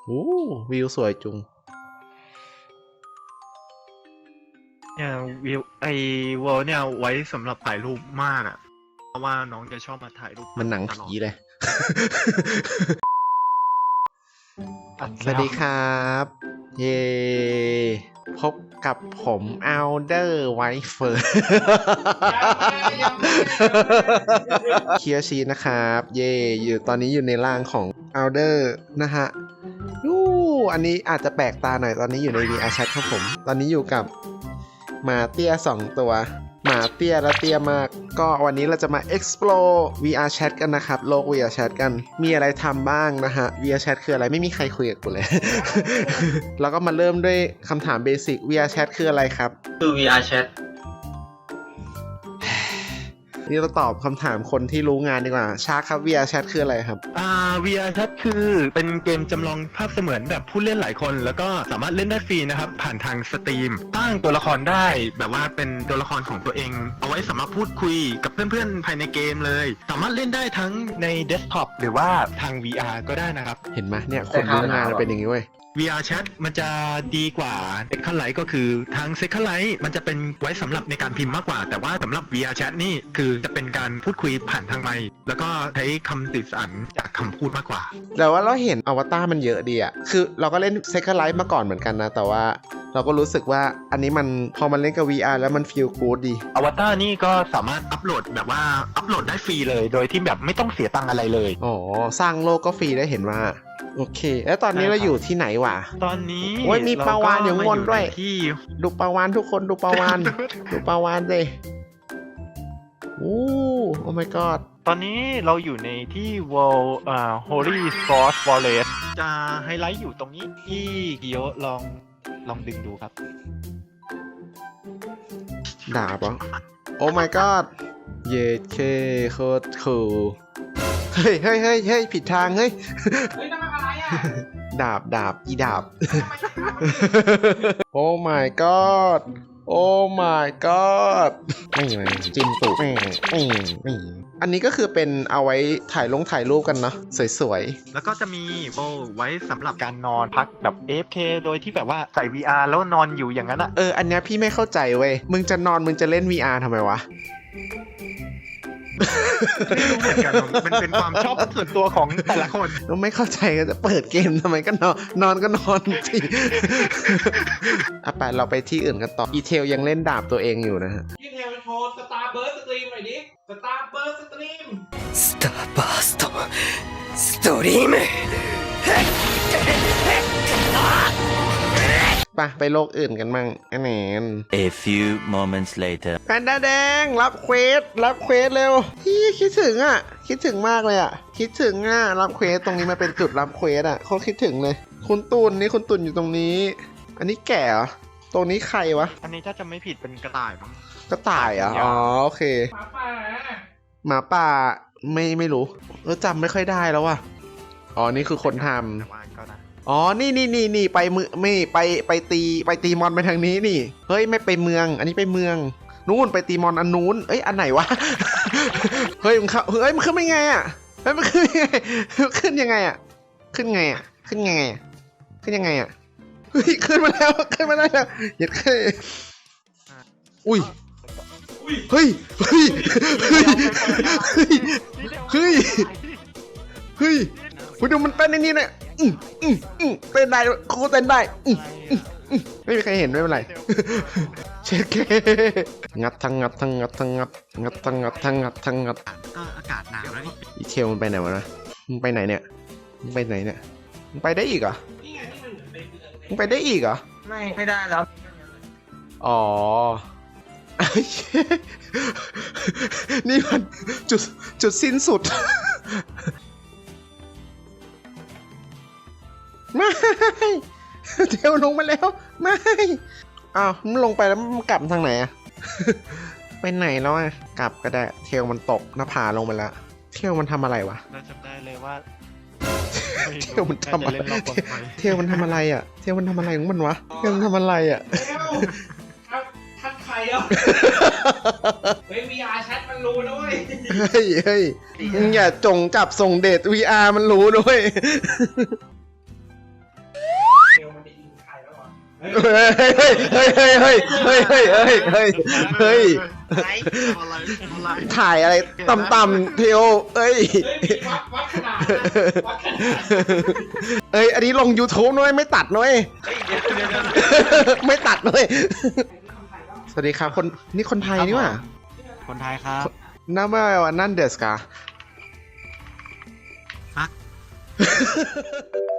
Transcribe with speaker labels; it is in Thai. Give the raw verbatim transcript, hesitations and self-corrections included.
Speaker 1: โอ้วิวสวยจุง
Speaker 2: เนี่ยวิวไอเวิลด์เนี่ยไว้สำหรับถ่ายรูปมากอ่ะเพราะว่าน้องจะชอบมาถ่ายรูป
Speaker 1: มันหนัง
Speaker 2: ตลอ
Speaker 1: ผี
Speaker 2: ด
Speaker 1: เลย
Speaker 2: อัด
Speaker 1: สวัสดีครับ เย้พบกับผมอัลเดอร์ไวท์เฟิร์เคียชีนะครับ เย่อยู่ตอนนี้อยู่ในร่างของอัลเดอร์นะฮะยูอันนี้อาจจะแปลกตาหน่อยตอนนี้อยู่ใน วี อาร์ Chat ครับผม ตอนนี้อยู่กับหมาเตี้ยสองตัว หมาเตี้ยและเตี้ยมาก ก็วันนี้เราจะมา explore วี อาร์ Chat กันนะครับ โลก วี อาร์ Chat กัน มีอะไรทำบ้างนะฮะ วี อาร์ Chat คืออะไรไม่มีใครคุยกับกูเลย แล้วก็มาเริ่มด้วยคำถามเบสิก วี อาร์ Chat คืออะไรครับ
Speaker 3: คือ วี อาร์ Chat
Speaker 1: นี่เราตอบคำถามคนที่รู้งานดีกว่าชาร์คครับ วี อาร์ Chat คืออะไรครับ
Speaker 2: อ่า วี อาร์ Chat คือเป็นเกมจำลองภาพเสมือนแบบผู้เล่นหลายคน แล้วก็สามารถเล่นได้ฟรีนะครับ ผ่านทางสตรีมตั้งตัวละครได้แบบว่าเป็นตัวละครของตัวเอง เอาไว้สามารถพูดคุยกับเพื่อนๆภายในเกมเลย สามารถเล่นได้ทั้งในเดสก์ท็อปหรือว่าทาง วี อาร์ ก็ได้นะครับ
Speaker 1: เห็นไหมเนี่ยคนรู้งานมันเป็นอย่างนี้เว้ย
Speaker 2: วี อาร์ Chat มันจะดีกว่า Second Life ก็คือทาง Second Life มันจะเป็นไว้สำหรับในการพิมพ์มากกว่า แต่ว่าสำหรับ วี อาร์ Chat นี่คือจะเป็นการพูดคุยผ่านทางไมค์แล้วก็ใช้คำติดสันจากคำพูดมากกว่า
Speaker 1: แต่ว่าเราเห็นอวตารมันเยอะดีอะคือเราก็เล่น Second Life มาก่อนเหมือนกันนะ แต่ว่าเราก็รู้สึกว่าอันนี้มันพอมันเล่นกับ วี อาร์ แล้วมัน feel good ดี
Speaker 2: อวตารนี่ก็สามารถอัปโหลดแบบว่าอัปโหลดได้ฟรีเลย โดยที่แบบไม่ต้องเสียตังค์อะไรเลย
Speaker 1: อ๋อ สร้างโลกก็ฟรีได้เห็นว่า โอเค แล้วตอนนี้
Speaker 2: ใช่ครั
Speaker 1: เรา
Speaker 2: บ
Speaker 1: อยู่ที่ไหไหนวะ
Speaker 2: ตอนนี้
Speaker 1: โอ้ยมีปลาวาฬอยู่ข้างบนด้วย
Speaker 2: เรก็มาอในที่
Speaker 1: ดูปลาวานทุกคนดูปลาวาน ดูปลาวานเลยโอ้โอ้ my god
Speaker 2: ตอนนี้เราอยู่ในที่ World อ่า Holy Source Forest จะไฮไลท์อยู่ตรงนี้ที่กิโยลองลองดึงดูครับ
Speaker 1: ดาบเหรอโอ้ my god เย็ดเคโคตรคูลเฮ้ยเฮ้ยเฮ้ยเฮ้ยผิดทางเฮ้ย
Speaker 3: เฮ้ยนั่นมันอะไรอ่ะ
Speaker 1: ดาบดาบอีดาบ โอ้ my god โอ้ my god ไม่ไงจิ้มตุกไม่ไม่ไม่อันนี้ก็คือเป็นเอาไว้ถ่ายลงถ่ายรูปกันเนาะสวย
Speaker 2: แล้วก็จะมีโบไว้สำหรับการนอนพักแบบ เอ เอฟ เค โดยที่แบบว่าใส่ วี อาร์ แล้วนอนอยู่อย่างนั้นอะ
Speaker 1: ๆ เออ อันเนี้ยพี่ไม่เข้าใจเว้ย มึงจะนอนมึงจะเล่น วี อาร์ ทำไมวะ
Speaker 2: ไม่รู้เหมือนกัน มันเป็นความชอบส่วนตัวของแต่ละคน
Speaker 1: เราไม่เข้าใจก็จะเปิดเกมทำไมก็นอนนอนก็นอนสิ อ่ะไปเราไปที่อื่นกันต่อ อีเทลยังเล่นดาบตัวเองอยู่นะฮะ
Speaker 3: พี่เทลโชว์สตาร์เบิร์สสตรีมหน่อยดิ สตาร์เบิร์สสตรีม
Speaker 4: スターバーストストリーム
Speaker 1: ไปไปโลกอื่นกันมั่งอันแหน
Speaker 5: A few moments later.
Speaker 1: แพนด้าแดงรับเควสรับเควสเร็วพี่คิดถึงอ่ะ คิดถึงมากเลยอ่ะ คิดถึงอ่ะรับเควสตรงนี้มาเป็นจุดรับเควสอ่ะเขาคิดถึงเลย คุณตุนนี่คุณตุนอยู่ตรงนี้ อันนี้แก่เหรอตรงนี้ใครวะ
Speaker 2: อันนี้ถ้าจะไม่ผิดเป็นกระต่ายมั้ง
Speaker 1: กระต่ายเหรอ่ะอ๋อโอเค
Speaker 3: หมาป่า
Speaker 1: หมาป่าไม่ไม่รู้เออจำไม่ค่อยได้แล้วว่ะอ๋อนี่คือคนทำ
Speaker 2: แต่ว่าก็นะ
Speaker 1: อ๋อ นี่นี่นี่นี่ไปมือไม่ไปไปตีไปตีมอนไปทางนี้นี่ เฮ้ยไม่ไปเมือง อันนี้ไปเมือง นู่นไปตีมอนอันนู้น เอ้ยอันไหนวะ เฮ้ยมันเข้าเฮ้ยมันขึ้นไม่ไงอ่ะ เฮ้ยมันขึ้นยังไง ขึ้นยังไงอ่ะ ขึ้นไงอ่ะ ขึ้นยังไงอ่ะ ขึ้นยังไงอ่ะ เฮ้ยขึ้นมาแล้วขึ้นมาได้แล้วเหยียดขึ้นอุ้ย เฮ้ย เฮ้ย เฮ้ย เฮ้ย เฮ้ยคุณดูมันเต้นในนี้เนี่ยอืมอืมอืมเต้นได้ครูเต้นได้อืมอืมอืมไม่มีใครเห็นไม่เป็นไร เช็คงัดทั้งงัดทั้งงัดทั้งงัดงัดทั้งงัดทั้งงัดทั้งงัด
Speaker 2: ก็อากาศหนาวแล้วนี่
Speaker 1: อีเทลมันไปไหนวะนะมึงไปไหนเนี่ยมึงไปไหนเนี่ยมึงไปได้อีกเหรอ
Speaker 3: นี่ไงที่มันเหมือนในเมือง
Speaker 1: มึงไปได้อีกเหรอ
Speaker 3: ไม่ไม่ได้แล้ว
Speaker 1: อ๋อ นี่มันจุดจุดสิ้นสุด ไม่เทลลงมาแล้ว ไม่ อ้าวมันลงไปแล้วมันกลับทางไหนอะ ไปไหนแล้วอะกลับก็ได้ เทลมันตกหน้าผาลงไปแล้ว เทลมันทำอะไรวะ
Speaker 2: เราจำได้เลยว่า
Speaker 1: เทลมันทำอะไร
Speaker 2: น่าจะเล่นรอบก่อนไป
Speaker 1: เทลมันทำอะไรอะเทลมันทำอะไรของมันวะเทลมันทำอะไรอะ
Speaker 3: เทลทักทักใครอ่ะ เฮ้ย วี อาร์ Chat มันรู้ด้วย
Speaker 1: เฮ้ยเฮ้ยมึงอย่าจงจับส่งเดท วี อาร์ มันรู้ด้วยเฮ้ยเฮ้ยเฮ้ยเฮ้ยเฮ้ยเฮ้ยเฮ้ยเฮ้ยเฮ้ยถ่ายอะไรต่ำๆเทโอเอ้ย
Speaker 3: เฮ้ยวัดวัดขนาดนะวัดขนาด
Speaker 1: เอ้ยอันนี้ลง YouTube น้อยไม่ตัดน้อยไม่ตัดน้อยสวัสดีครับคนนี่คนไทยนี่หว่า
Speaker 6: คนไทยครับ
Speaker 1: น้าว่านั่นเดสกา
Speaker 6: ฮัก